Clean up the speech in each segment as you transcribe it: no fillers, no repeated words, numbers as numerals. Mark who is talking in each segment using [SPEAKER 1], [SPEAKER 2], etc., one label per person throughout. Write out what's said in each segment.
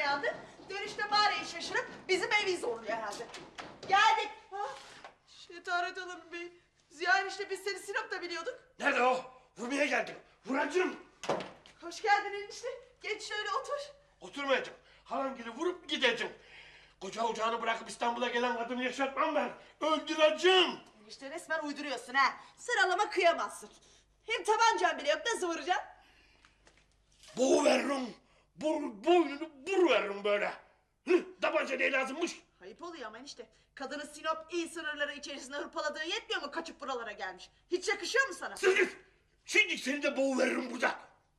[SPEAKER 1] uyandı. Dönüşte mağarayı şaşırıp bizim evi zorluyor herhalde. Geldik. Ha? Şetaret Hanım Bey. Ziya enişte biz seni Sinop'ta biliyorduk.
[SPEAKER 2] Nerede o? Vurmaya geldim. Vuracağım.
[SPEAKER 1] Hoş geldin enişte. Geç şöyle otur.
[SPEAKER 2] Oturmayacağım. Halangili vurup gideceğim. Koca ocağını bırakıp İstanbul'a gelen kadını yaşatmam ben. Öldüreceğim.
[SPEAKER 1] Enişte resmen uyduruyorsun ha. Sıralama kıyamazsın. Hem tabancan bile yok, nasıl vuracaksın?
[SPEAKER 2] Boğu veririm. Boynunu bur veririm böyle. Tabanca ne lazımmış?
[SPEAKER 1] Ayıp oluyor ama enişte. Kadının Sinop il sınırları içerisinde hırpaladığı yetmiyor mu, kaçıp buralara gelmiş? Hiç yakışıyor mu sana?
[SPEAKER 2] Sus git. Şimdi seni de boğu veririm burada.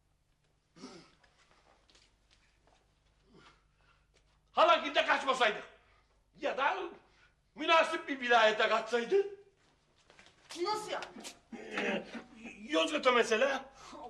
[SPEAKER 2] Halangil'de kaçmasaydı. Ya da münasip bir vilayete kaçsaydı.
[SPEAKER 1] Nasıl ya?
[SPEAKER 2] Yozgat'a mesela.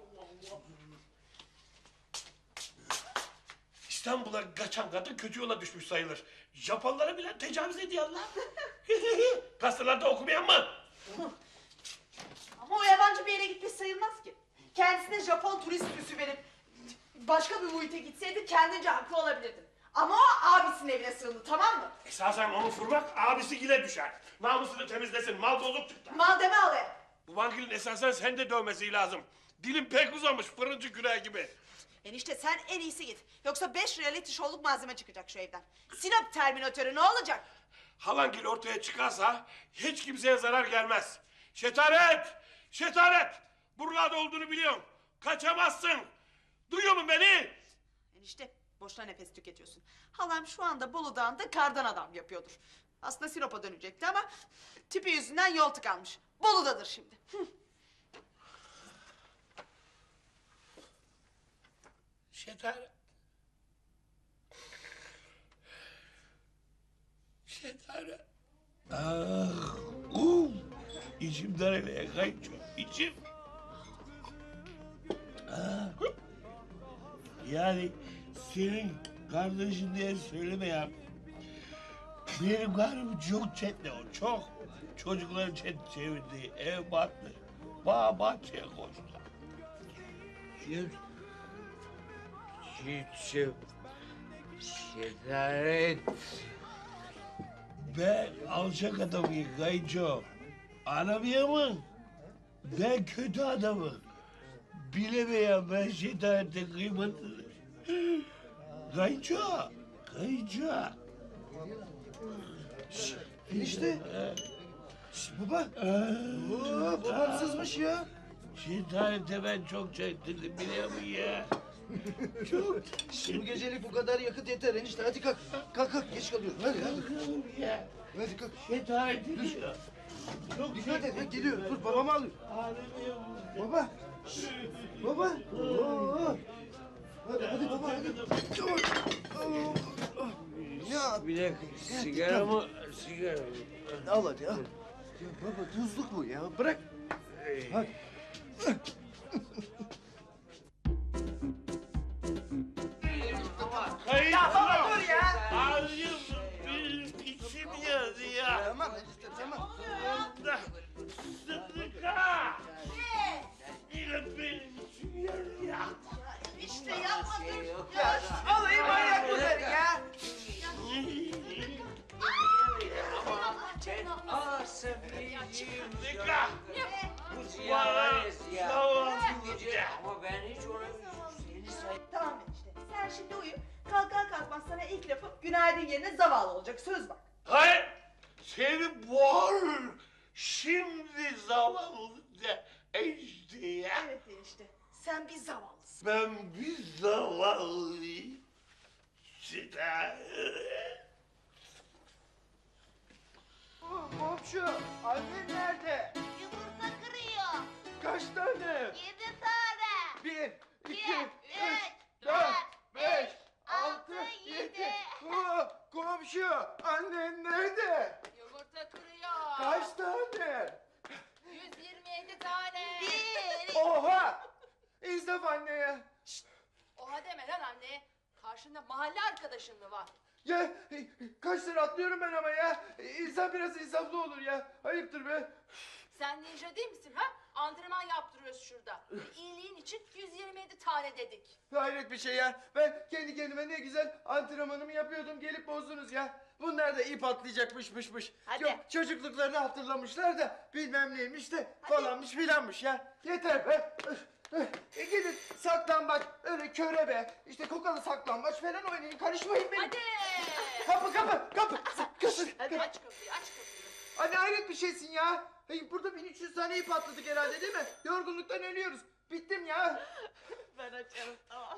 [SPEAKER 2] İstanbul'a kaçan kadın kötü yola düşmüş sayılır. Japonlara bile tecavüz ediyorlar. Gazetelerde okumayan mı?
[SPEAKER 1] Ama o yabancı bir yere gitmiş sayılmaz ki. Kendisine Japon turist süsü verip başka bir muhite gitseydi kendince haklı olabilirdin. Ama o abisinin evine sığındı, tamam mı?
[SPEAKER 2] Esasen onu vurmak abisi gile düşer. Namusunu temizlesin, mal bozuk çıktı.
[SPEAKER 1] Mal deme alaya.
[SPEAKER 2] Bu vankilin esasen sen de dövmesi lazım. Dilin pek uzamış, fırıncı küreği gibi.
[SPEAKER 1] Enişte sen en iyisi git. Yoksa 5 reality show'luk malzeme çıkacak şu evden. Sinop terminatörü ne olacak?
[SPEAKER 2] Halangil ortaya çıkarsa hiç kimseye zarar gelmez. Şetaret! Şetaret! Buralarda olduğunu biliyorum. Kaçamazsın. Duyuyor musun beni?
[SPEAKER 1] Enişte boşuna nefes tüketiyorsun. Halam şu anda Bolu Dağı'nda kardan adam yapıyordur. Aslında Sinop'a dönecekti ama tipi yüzünden yol tıkanmış. Bolu'dadır şimdi.
[SPEAKER 2] Şetaret. Şetaret. Ah, içimden ele kaçıyor, içim. Ah. Yani senin kardeşin diye söyleme ya. Benim karım çok çetli o, çok. Çocukların çevirdiği ev battı. Bağ bahçeye koştular.
[SPEAKER 3] Şetaret.
[SPEAKER 2] Ben alçak adamım kayınço. Anlamıyor musun? Ben kötü adamım. Bilemeyen ben şetaretin kıymetini. Kayınço, kayınço.
[SPEAKER 4] Enişte. Baba. Oo, babam sızmış ya.
[SPEAKER 2] Şetarete ben çok çektirdim biliyor musun ya? Çok
[SPEAKER 4] Bu gecelik bu kadar yakıt yeter enişte. Hadi kalk. Kalk kalk, geç kalıyoruz. Hadi hadi.
[SPEAKER 2] çektirdim ya.
[SPEAKER 4] Hadi kalk.
[SPEAKER 2] Şetarete diyor. Çok
[SPEAKER 4] Dikkat et ya, geliyor. Dur babamı alıyor.
[SPEAKER 2] Ağlamıyor mu?
[SPEAKER 4] Baba. Şşt, baba. Oo. Hadi hadi baba hadi. Dur. Ya
[SPEAKER 3] Bir dakika, sigara mı? Sigara.
[SPEAKER 4] al hadi al. Ya baba tuzluk bu ya, bırak. Hadi.
[SPEAKER 2] Kayınço.
[SPEAKER 1] Ya baba dur ya.
[SPEAKER 2] Ağzım benim içim yandı ya.
[SPEAKER 4] Tamam enişte tamam.
[SPEAKER 2] Sıdıka. Yine benim içim yandı ya.
[SPEAKER 1] İşte yapma dur.
[SPEAKER 3] Ya
[SPEAKER 1] Alayım manyak bunları ya.
[SPEAKER 3] Aa Safiyeciğim.
[SPEAKER 2] Sıdıka.
[SPEAKER 3] Bu Ziya var ya Ziya.
[SPEAKER 2] Zavallı
[SPEAKER 3] Bu gece
[SPEAKER 2] Ziya.
[SPEAKER 3] ama ben hiç ona seni
[SPEAKER 1] Tamam enişte. Sen şimdi uyu. Kalkar kalkmaz sana ilk lafım günaydın yerine zavallı olacak. Söz bak.
[SPEAKER 2] Hayır. Seni boğar. Şimdi zavallı de işte ya.
[SPEAKER 1] Evet enişte. Sen bir zavallısın.
[SPEAKER 2] Ben bir zavallıyım. Sıdıka.
[SPEAKER 4] Komşu, annen nerede?
[SPEAKER 5] Yumurta kırıyor.
[SPEAKER 4] Kaç tane?
[SPEAKER 5] 7 tane.
[SPEAKER 4] 1, 2, 3, 4,
[SPEAKER 5] 4,
[SPEAKER 4] 5,
[SPEAKER 5] 6,
[SPEAKER 4] 6,
[SPEAKER 5] 7.
[SPEAKER 4] 7. Komşu, annen nerede?
[SPEAKER 5] Yumurta kırıyor.
[SPEAKER 4] Kaç tane?
[SPEAKER 5] 127 tane. 1.
[SPEAKER 4] Oha! İnsaf anne ya.
[SPEAKER 5] Oha deme lan anne. Karşında mahalle arkadaşın mı var?
[SPEAKER 4] Ya kaç lira atlıyorum ben ama ya. İnsan biraz insaflı olur ya. Ayıptır be.
[SPEAKER 5] Sen ninja değil misin ha? Antrenman yaptırıyoruz şurada. İyiliğin için için 127 tane dedik.
[SPEAKER 4] Hayret bir şey ya. Ben kendi kendime ne güzel antrenmanımı yapıyordum. Gelip bozdunuz ya. Bunlar da ip atlayacakmışmış.
[SPEAKER 1] Hadi.
[SPEAKER 4] Yok çocukluklarını hatırlamışlar da bilmem neymiş de falanmış filanmış ya. Yeter be. Gidin saklambaç, öyle körebe, işte kokalı saklambaç falan oynayın. Karışmayın benim.
[SPEAKER 5] Hadi.
[SPEAKER 4] Kapı. Kızım.
[SPEAKER 5] Hadi aç kapıyı, aç kapıyı.
[SPEAKER 4] Anne hayret bir şeysin ya. Hey, burada 1300 tane ip atladık herhalde değil mi? Yorgunluktan ölüyoruz. Bittim ya.
[SPEAKER 1] Ben açarım tamam.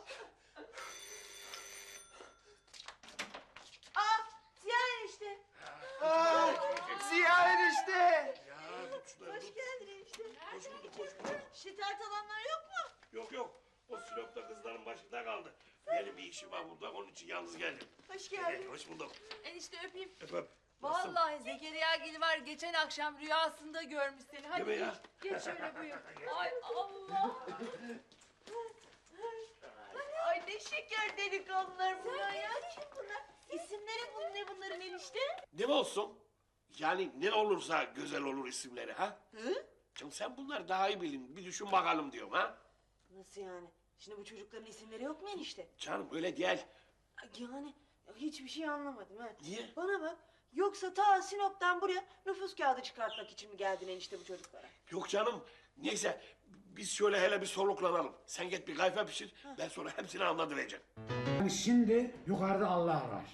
[SPEAKER 1] Aa Ziya enişte.
[SPEAKER 4] Aa, Ziya enişte.
[SPEAKER 2] Ya tut şunları,
[SPEAKER 1] Hoş
[SPEAKER 2] tut.
[SPEAKER 1] geldin enişte.
[SPEAKER 2] Hoş bulduk, hoş bulduk.
[SPEAKER 1] Şikayet alanlar yok mu?
[SPEAKER 2] Yok. O Sinop'ta kızların başında kaldı. Benim bir işim var burada, onun için yalnız geldim.
[SPEAKER 1] Hoş geldin.
[SPEAKER 2] Hoş bulduk.
[SPEAKER 5] Enişte öpeyim.
[SPEAKER 2] Öpöp. Nasılsın?
[SPEAKER 5] Vallahi Zekeriya Gil var geçen akşam rüyasında görmüş seni. Hadi
[SPEAKER 2] Değil mi ya?
[SPEAKER 5] geç şöyle buyur. Ay Allah.
[SPEAKER 1] Ay ne şeker delikanlılar bunlar ya. Kim bunlar? İsimleri ne bunların enişte?
[SPEAKER 2] Ne olsun? Yani ne olursa güzel olur isimleri ha?
[SPEAKER 1] Hı?
[SPEAKER 2] Canım sen bunları daha iyi bilin. Bir düşün bakalım diyorum ha?
[SPEAKER 6] Nasıl yani? Şimdi bu çocukların isimleri yok mu enişte?
[SPEAKER 2] Canım öyle değil.
[SPEAKER 6] Yani hiçbir şey anlamadım ha.
[SPEAKER 2] Niye?
[SPEAKER 6] Bana bak. Yoksa ta Sinop'tan buraya nüfus kağıdı çıkartmak için mi geldin enişte bu çocuklara?
[SPEAKER 2] Yok canım. Neyse biz şöyle hele bir soluklanalım. Sen git bir kayfa pişir. Ben sonra hepsini anlatıvereceğim.
[SPEAKER 7] Yani şimdi yukarıda Allah var.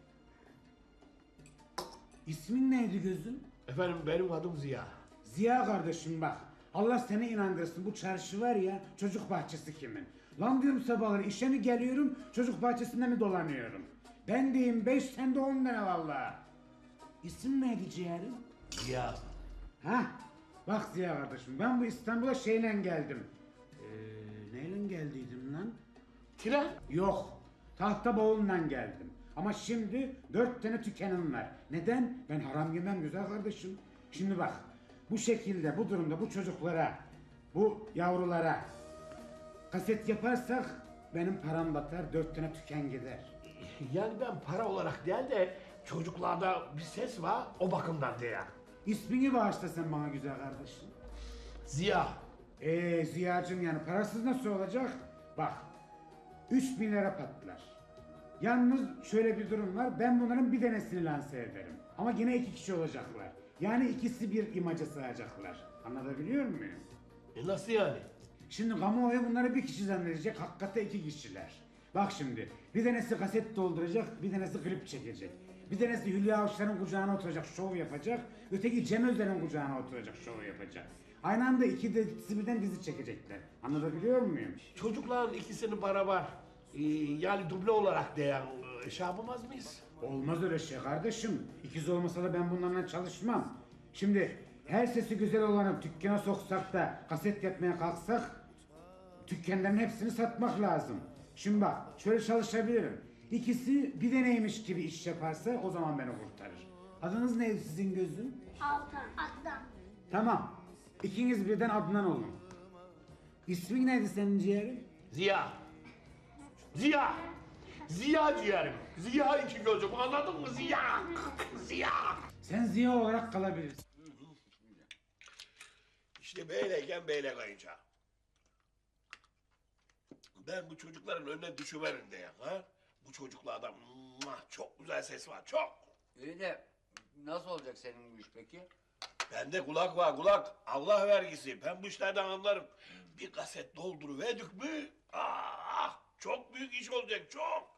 [SPEAKER 7] İsmin neydi gözüm?
[SPEAKER 2] Efendim benim adım Ziya.
[SPEAKER 7] Ziya kardeşim bak. Allah seni inandırsın. Bu çarşı var ya, çocuk bahçesi kimin? Lan diyorum sabahları işe mi geliyorum, çocuk bahçesinde mi dolanıyorum? Ben diyeyim 5, sen de 10 tane vallahi. İsim neydi ciğerim?
[SPEAKER 2] Ziya.
[SPEAKER 7] Hah, bak Ziya kardeşim, ben bu İstanbul'a şeyle geldim. Neyle geldiydim lan?
[SPEAKER 2] Tren.
[SPEAKER 7] Yok, tahta bavulla geldim. Ama şimdi 4 tane tükenim var. Neden? Ben haram yemem güzel kardeşim. Şimdi bak, bu şekilde, bu durumda bu çocuklara, bu yavrulara kaset yaparsak benim param batar, 4 tane tüken gider.
[SPEAKER 2] Yani ben para olarak değil de çocuklarda bir ses var o bakımdan diye.
[SPEAKER 7] İsmini bağışla sen bana güzel kardeşim.
[SPEAKER 2] Ziya.
[SPEAKER 7] Ziyacım yani parasız nasıl olacak? Bak, 3000 lira patlar. Yalnız şöyle bir durum var, ben bunların bir tanesini lanse ederim. Ama yine 2 kişi olacaklar. Yani ikisi bir imaja sığacaklar. Anlatabiliyor muyum?
[SPEAKER 2] Nasıl yani?
[SPEAKER 7] Şimdi kamuoyu bunları bir kişi zannedecek, hakikaten 2 kişiler. Bak şimdi, bir tanesi kaset dolduracak, bir tanesi klip çekecek. Bir tanesi Hülya Avşar'ın kucağına oturacak, şov yapacak. Öteki Cem Özden'in kucağına oturacak, şov yapacak. Aynı anda ikisi birden dizi çekecekler. Anlatabiliyor muyum?
[SPEAKER 2] Çocukların ikisini beraber yani duble olarak diyen şey yapamaz mıyız?
[SPEAKER 7] Olmaz öyle şey kardeşim. İkiz olmasa da ben bunlarla çalışmam. Şimdi her sesi güzel olanı dükkana soksak da kaset yapmaya kalksak dükkanların hepsini satmak lazım. Şimdi bak şöyle çalışabilirim. İkisi bir deneymiş gibi iş yaparsa o zaman beni kurtarır. Adınız neydi sizin gözüm?
[SPEAKER 8] Altan, Adnan.
[SPEAKER 7] Tamam. İkiniz birden Adnan olun. İsmin neydi senin ciğerim?
[SPEAKER 2] Ziya. Ziya. Ziya ciğerim. Ziya iki gözüm anladın mı Ziya? Ziya.
[SPEAKER 7] Sen Ziya olarak kalabilirsin.
[SPEAKER 2] İşte böyleyken böyle kayınca. Ben bu çocukların önüne düşüverim diye. Ha? Bu çocuklarda çok güzel ses var çok.
[SPEAKER 3] İyi de nasıl olacak senin bu iş peki?
[SPEAKER 2] Bende kulak var kulak. Allah vergisi. Ben bu işlerden anlarım. Bir kaset dolduruverdik mi? Çok büyük iş olacak çok.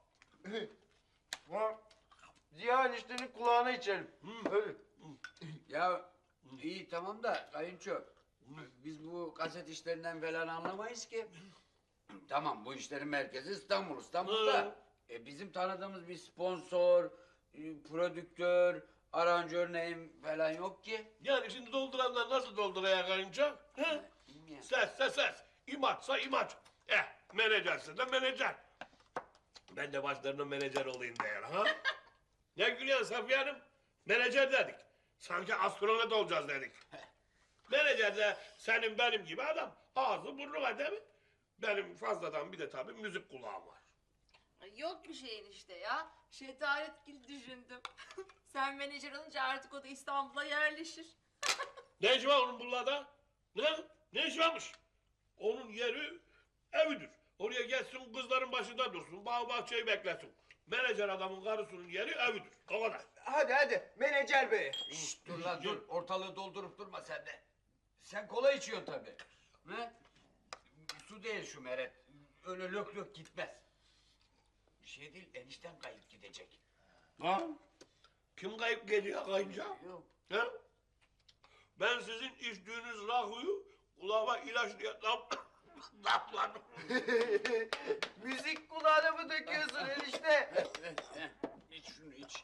[SPEAKER 4] Ziya eniştenin kulağına içelim. Öyle.
[SPEAKER 3] Ya iyi tamam da kayınço. Biz bu kaset işlerinden falan anlamayız ki. Tamam bu işlerin merkezi İstanbul. İstanbul'da bizim tanıdığımız bir sponsor, prodüktör, aranjör neyim falan yok ki.
[SPEAKER 2] Yani şimdi dolduranlar nasıl dolduraya karınca? He?
[SPEAKER 3] Bilmiyorum.
[SPEAKER 2] Ses. İmaçsa imaç. Menajerse de menajer. Ben de başlarına menajer olayım değer ha? Ne gülüyorsun Safiye Hanım? Menajer dedik. Sanki astronot olacağız dedik. Menajer de senin benim gibi adam. Ağzı burnu var değil mi? Benim fazladan bir de tabii müzik kulağım var.
[SPEAKER 5] Ay, yok bir şey enişte ya. Şetaret Gil düşündüm. Sen menajer olunca artık o da İstanbul'a yerleşir.
[SPEAKER 2] Ne işi var onun buralarda? Ne? Ne işi varmış? Onun yeri evidir. Oraya geçsin kızların başında dursun. Bağ bahçeyi beklesin. Menajer adamın karısının yeri evidir. O kadar.
[SPEAKER 4] Hadi menajer bey.
[SPEAKER 3] Şşt, dur lan dur. Ortalığı doldurup durma sen de. Sen kola içiyorsun tabii. Ne? Su değil şu Meret. Öyle lök lök gitmez. Bir şey değil, enişten kayıp gidecek.
[SPEAKER 2] Ha? Kim kayıp geliyor kayınca?
[SPEAKER 3] Yok.
[SPEAKER 2] Ha? Ben sizin içtiğiniz rahuyu kulağıma ilaç diye damladım.
[SPEAKER 4] Müzik kulağına mı döküyorsun enişte?
[SPEAKER 3] İç şunu iç.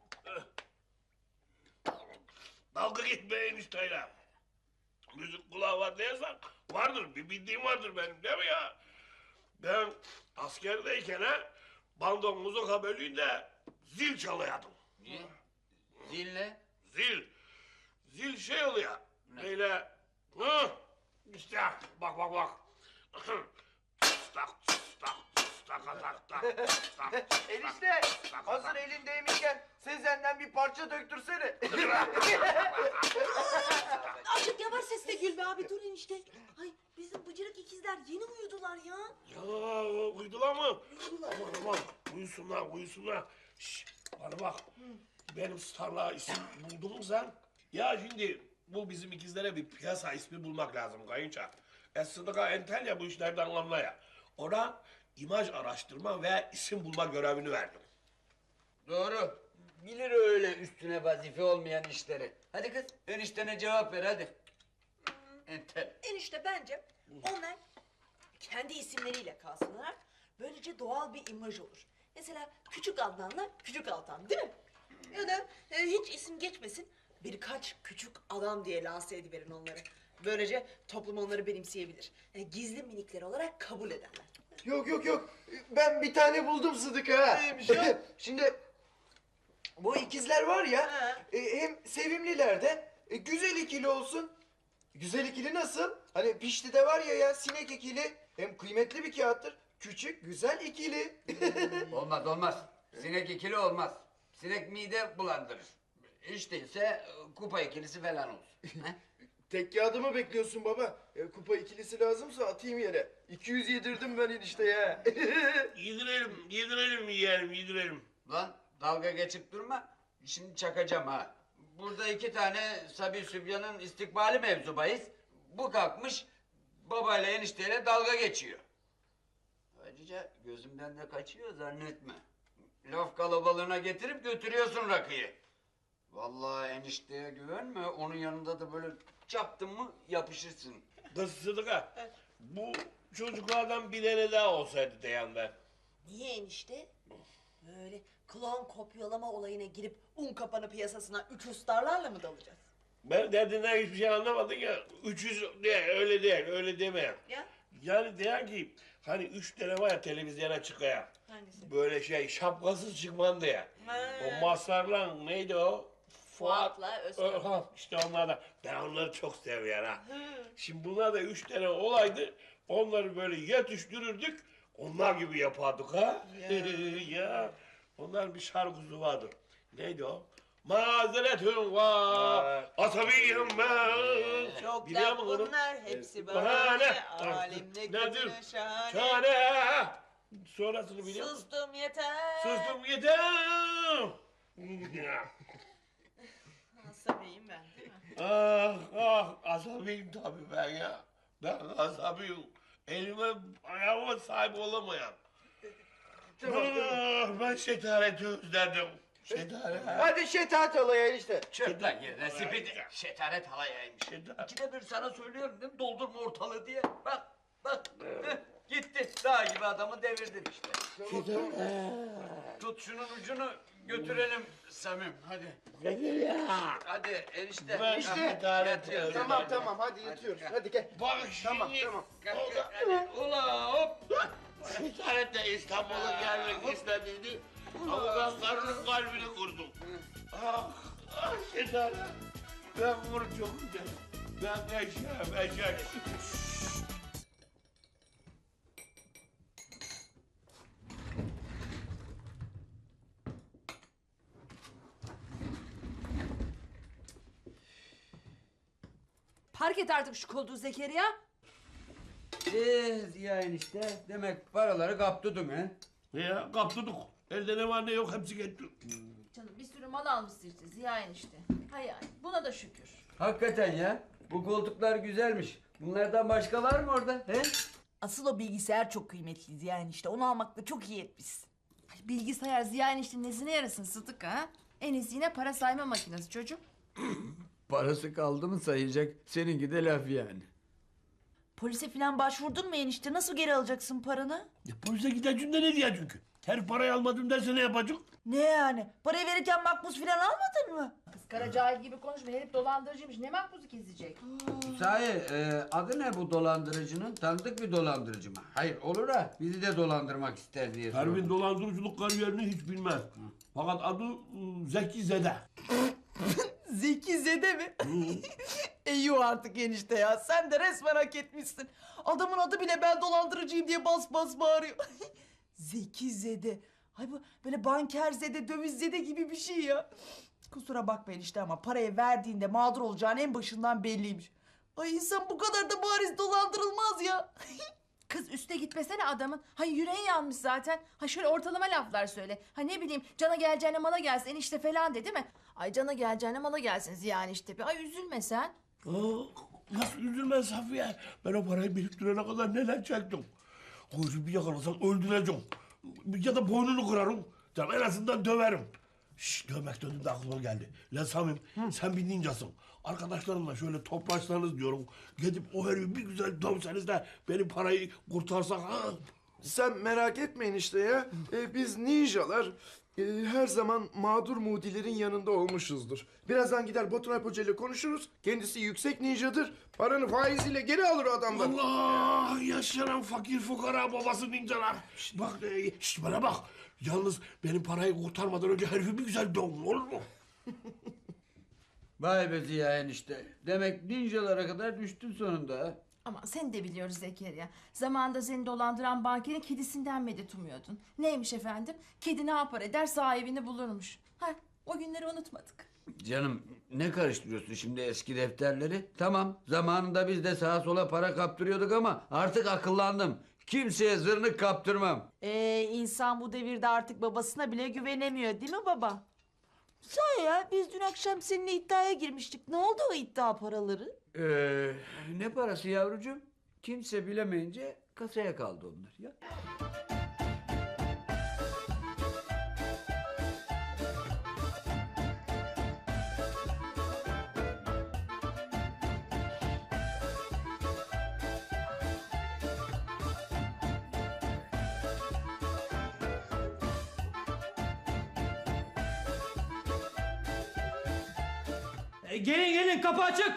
[SPEAKER 2] Dalga gitmeyin işte. Müzik kulağı var diyorsan vardır. Bir bildiğim vardır benim değil mi ya? Ben askerdeyken bandon muzuka bölüğünde zil çalıyordum.
[SPEAKER 3] Niye? Zille.
[SPEAKER 2] Zil. Zil şey oluyor. Böyle. Hı, işte bak. Tak tak.
[SPEAKER 4] Enişte hazır elindeymişken Sezen'den bir parça döktürsene.
[SPEAKER 6] Azıcık yavaş sesle Gülbe abi dur enişte. Ay bizim bıcırık ikizler yeni uyudular ya.
[SPEAKER 2] Ya uydular mı? Aman uyusunlar. Şş, bana bak. Benim starlığa isim buldun mu sen? Ya şimdi bu bizim ikizlere bir piyasa ismi bulmak lazım kayınça. Sıdıka entel ya bu işlerden anlaya. Ona imaj araştırma ve isim bulma görevini verdim.
[SPEAKER 3] Doğru. Bilir öyle üstüne vazife olmayan işleri. Hadi kız eniştene cevap ver hadi. Entel.
[SPEAKER 6] Enişte bence onlar kendi isimleriyle kalsınlar. Böylece doğal bir imaj olur. Mesela Küçük Adnan'la Küçük Altan değil mi? Ya da hiç isim geçmesin birkaç küçük adam diye lanse ediverin onları. Böylece toplum onları benimseyebilir. Gizli minikler olarak kabul ederler.
[SPEAKER 4] Yok. Ben bir tane buldum Sıdıka ha.
[SPEAKER 6] Neymiş o?
[SPEAKER 4] Şimdi bu ikizler var ya
[SPEAKER 6] Ha.
[SPEAKER 4] hem sevimliler de güzel ikili olsun. Güzel ikili nasıl? Hani Pişti'de var ya sinek ikili hem kıymetli bir kağıttır. Küçük güzel ikili.
[SPEAKER 3] Olmaz. Sinek ikili olmaz. Sinek mide bulandırır. Hiç değilse kupa ikilisi falan olsun. He?
[SPEAKER 4] Tek kağıdımı bekliyorsun baba. Kupa ikilisi lazımsa atayım yere. 200 yedirdim ben enişte ya.
[SPEAKER 2] Yedirelim.
[SPEAKER 3] Lan dalga geçip durma. Şimdi çakacağım ha. Burada 2 tane Sabi Sübyan'ın istikbali mevzu bahis. Bu kalkmış babayla enişteyle dalga geçiyor. Ayrıca gözümden de kaçıyor zannetme. Laf kalabalığına getirip götürüyorsun rakıyı. Vallahi enişteye güvenme. Onun yanında da böyle çaktın mı yapışırsın.
[SPEAKER 2] Kız Sıdıka, bu çocuklardan bir tane daha olsaydı diyen ben.
[SPEAKER 6] Niye enişte? Böyle klon kopyalama olayına girip un kapanı piyasasına 300 starlarla mı dalacağız?
[SPEAKER 2] Ben derdinden hiçbir şey anlamadın ya. 300 değil, öyle deme.
[SPEAKER 6] Ya
[SPEAKER 2] Yani diyen ki hani 3 tane var ya televizyona çıkaya.
[SPEAKER 6] hangisi?
[SPEAKER 2] Böyle şapkasız çıkman diye.
[SPEAKER 6] Ha.
[SPEAKER 2] O Mazhar'la neydi o?
[SPEAKER 6] Fuat'la Özkan.
[SPEAKER 2] Ha, işte onlardan. Ben onları çok seviyorum ha. Şimdi bunlar da 3 tane olaydı. Onları böyle yetiştirirdik. Onlar gibi yapardık ha. Ya. Onlar bir şarkısı vardı. Neydi o? Mazeretüm var, asabiyim ben.
[SPEAKER 6] Çok
[SPEAKER 2] Biliyor
[SPEAKER 6] laf
[SPEAKER 2] musun onu?
[SPEAKER 6] bunlar hepsi
[SPEAKER 2] Bahane.
[SPEAKER 6] bahane. Alemde
[SPEAKER 2] Nedir?
[SPEAKER 6] kötüne şahane.
[SPEAKER 2] Çare. Sonrasını biliyor musun?
[SPEAKER 6] Sustum yeter.
[SPEAKER 2] Sustum yeter.
[SPEAKER 6] Asabiyim ben değil mi?
[SPEAKER 2] Asabiyim tabii ben ya. Ben asabiyim. Elime ayağıma sahip olamayan.
[SPEAKER 4] Tamam.
[SPEAKER 2] Ben şetareti özledim. Şetaret.
[SPEAKER 4] Hadi şetat alaya enişte.
[SPEAKER 3] Çöp lan yerine spidi. Şetaret halayaymış.
[SPEAKER 2] Şetaret.
[SPEAKER 3] İkide bir sana söylüyorum değil mi? Doldurma ortalığı diye. Bak. Heh, gitti. Dağ gibi adamı devirdin işte. Tut şunun ucunu götürelim Samim. Hadi. Hadi enişte.
[SPEAKER 2] Ben
[SPEAKER 3] Ah,
[SPEAKER 2] şetaret
[SPEAKER 3] yat.
[SPEAKER 2] özledim.
[SPEAKER 4] Tamam hadi yatıyoruz. Hadi gel.
[SPEAKER 2] Bak
[SPEAKER 4] Tamam,
[SPEAKER 2] şimdi.
[SPEAKER 4] tamam.
[SPEAKER 3] Hadi. Ula hop.
[SPEAKER 2] Şetaret de İstanbul'a gelmek istediydi. Ama ben karının kalbini kurdum. Şetaret. Ben bunu çok güzel. Ben eşeğim.
[SPEAKER 5] Park et artık şu koltuğu Zekeriya.
[SPEAKER 3] Ziya enişte demek paraları kaptırdın he?
[SPEAKER 2] Ya kaptırdık. Elde ne var ne yok hepsi gitti.
[SPEAKER 5] Canım bir sürü mal almışsın işte Ziya enişte. Hay hay buna da şükür.
[SPEAKER 3] Hakikaten ya. Bu koltuklar güzelmiş. Bunlardan başka var mı orada? He?
[SPEAKER 6] Asıl o bilgisayar çok kıymetliydi yani işte. Onu almakla çok iyi etmişsin.
[SPEAKER 5] Ay, bilgisayar Ziya enişte nesine yarasın Sıtık ha? En iyisi yine para sayma makinesi çocuk.
[SPEAKER 3] Parası kaldı mı sayacak. Seninki de laf yani.
[SPEAKER 6] Polise falan başvurdun mu enişte? Nasıl geri alacaksın paranı?
[SPEAKER 2] Ya polise gideceğim de ne diye çünkü. Her parayı almadım derse ne yapacak?
[SPEAKER 6] Ne yani? Parayı verirken makbuz falan almadın mı?
[SPEAKER 5] Kız kara cahil gibi konuşma herif dolandırıcıymış ne makbuzu kesecek.
[SPEAKER 3] Sahi adı ne bu dolandırıcının? Tanıdık bir dolandırıcı mı? Hayır olur ha. Bizi de dolandırmak ister diye
[SPEAKER 2] Pervin
[SPEAKER 3] sordum.
[SPEAKER 2] dolandırıcılık kariyerini hiç bilmez. Fakat adı Zeki Zede.
[SPEAKER 6] Zeki Zede mi? Eyvah artık enişte ya. Sen de resmen hak etmişsin. Adamın adı bile ben dolandırıcıyım diye bas bas bağırıyor. Zeki Zede. Ay bu böyle banker zede, döviz zede gibi bir şey ya. Kusura bakma enişte ama parayı verdiğinde mağdur olacağın en başından belliymiş. Ay insan bu kadar da bariz dolandırılmaz ya.
[SPEAKER 5] Kız üste gitmesene adamın. Hay yüreği yanmış zaten. Ha şöyle ortalama laflar söyle. Ha ne bileyim cana geleceğine mala gelsin enişte falan de değil mi? Ay cana geleceğine mala gelsin Ziya enişte. Ay üzülme sen.
[SPEAKER 2] Nasıl üzülmez Safiye? Ben o parayı biriktirene kadar neler çektim. Koyucu bir yakalasam öldüreceğim. Ya da boynunu kırarım. Canım en azından döverim. Şşş dövmek döndüğümde aklıma geldi. Lan Samim sen bir ninjasın. Arkadaşlarımla şöyle toplaşsanız diyorum. Gidip o herifi bir güzel dövseniz de benim parayı kurtarsak ha.
[SPEAKER 4] Sen merak etmeyin işte ya. Biz ninjalar her zaman mağdur mudilerin yanında olmuşuzdur. Birazdan gider Batur Alp Hoca ile konuşuruz. Kendisi yüksek ninjadır. Paranı faiziyle geri alır o adamdan.
[SPEAKER 2] Allah yaşanan fakir fukara babası ninjalar. Bak bana bak. Yalnız benim parayı kurtarmadan önce herifi bir güzel dövün olur mu?
[SPEAKER 3] Vay be Ziya enişte. Demek ninjalara kadar düştün sonunda ha.
[SPEAKER 5] Ama seni de biliyoruz Zekeriya. Zamanında seni dolandıran bankerin kedisinden medet umuyordun. Neymiş efendim? Kedi ne yapar eder sahibini bulurmuş. Ha o günleri unutmadık.
[SPEAKER 3] Canım ne karıştırıyorsun şimdi eski defterleri? Tamam zamanında biz de sağa sola para kaptırıyorduk ama artık akıllandım. Kimseye zırnık kaptırmam.
[SPEAKER 6] İnsan bu devirde artık babasına bile güvenemiyor değil mi baba? Sahi ya biz dün akşam seninle iddiaya girmiştik. Ne oldu o iddia paraları?
[SPEAKER 3] Ne parası yavrucuğum? Kimse bilemeyince kasaya kaldı onlar ya.
[SPEAKER 8] Gelin gelin kapı açık.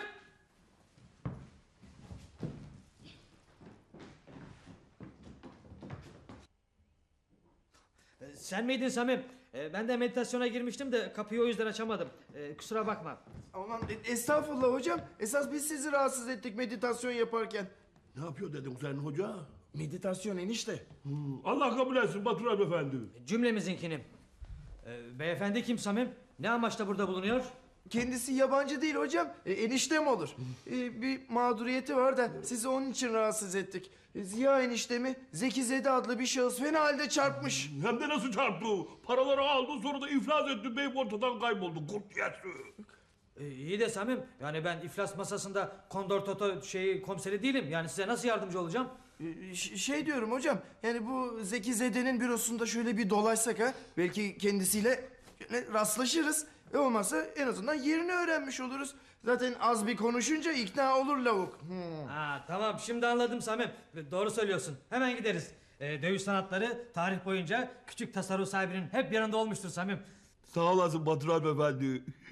[SPEAKER 8] Sen miydin Samim? Ben de meditasyona girmiştim de kapıyı o yüzden açamadım. Kusura bakma.
[SPEAKER 4] Aman estağfurullah hocam. Esas biz sizi rahatsız ettik meditasyon yaparken.
[SPEAKER 2] Ne yapıyor dedim sen hoca?
[SPEAKER 4] Meditasyon enişte.
[SPEAKER 2] Allah kabul etsin Batur Alp Efendi.
[SPEAKER 8] Cümlemizinkini. Beyefendi kim Samim? Ne amaçla burada bulunuyor?
[SPEAKER 4] Kendisi yabancı değil hocam. Eniştem olur. Bir mağduriyeti var da sizi onun için rahatsız ettik. Ziya eniştemi Zeki Zede adlı bir şahıs fena halde çarpmış.
[SPEAKER 2] Hem de nasıl çarptı? Paraları aldı sonra da iflas etti. Beyim ortadan kayboldu. Kurt yersi.
[SPEAKER 8] İyi de Samim, yani ben iflas masasında Kondor Toto komiseri değilim. Yani size nasıl yardımcı olacağım?
[SPEAKER 4] Şey diyorum hocam. Yani bu Zeki Zede'nin bürosunda şöyle bir dolaşsak ha. Belki kendisiyle rastlaşırız. Ve olmazsa en azından yerini öğrenmiş oluruz. Zaten az bir konuşunca ikna olur lavuk.
[SPEAKER 8] Ha, tamam şimdi anladım Samim. Doğru söylüyorsun. Hemen gideriz. Dövüş sanatları tarih boyunca küçük tasarruf sahibinin hep yanında olmuştur Samim.
[SPEAKER 2] Sağ olasın Batur Alp Efendi.